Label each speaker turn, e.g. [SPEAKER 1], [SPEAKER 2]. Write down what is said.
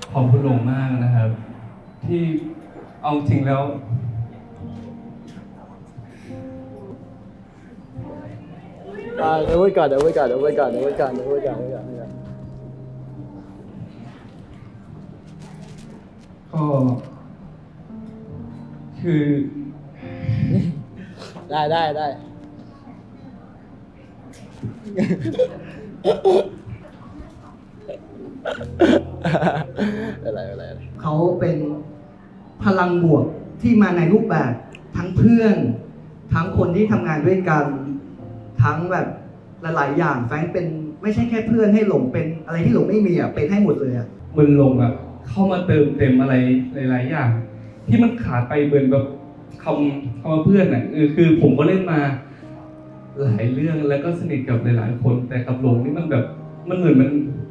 [SPEAKER 1] ขอบคุณหลงมากนะครับ ที่เอาจริงแล้ว
[SPEAKER 2] เดี๋ยวไว้ก่อนเดี๋ยวไว้ก่อนเดี๋ยวไว้ก่อนเดี๋ยวไว้ก่อนเดี๋ยวไว้ก่อน
[SPEAKER 1] ก็คือ
[SPEAKER 2] ได้อะไร
[SPEAKER 3] เขาเป็นพลังบวกที่มาในรูปแบบทั้งเพื่อน ทั้งคนที่ทำงานด้วยกัน ทั้งแบบหลายๆอย่างแฟรงค์เป็นไม่ใช่แค่เพื่อนให้หลงเป็นอะไรที่หลงไม่มีอ่ะเป็นให้หมดเลยอ่ะ
[SPEAKER 1] มันลงแบบเข้ามาเติมเต็มอะไรหลายๆอย่าง ที่มันขาดไปเหมือนแบบคำว่าเพื่อนน่ะคือผมก็เล่นมาหลายเรื่องแล้วก็สนิทกับหลายๆคน แต่กับหลงนี่มันแบบมันเหมือน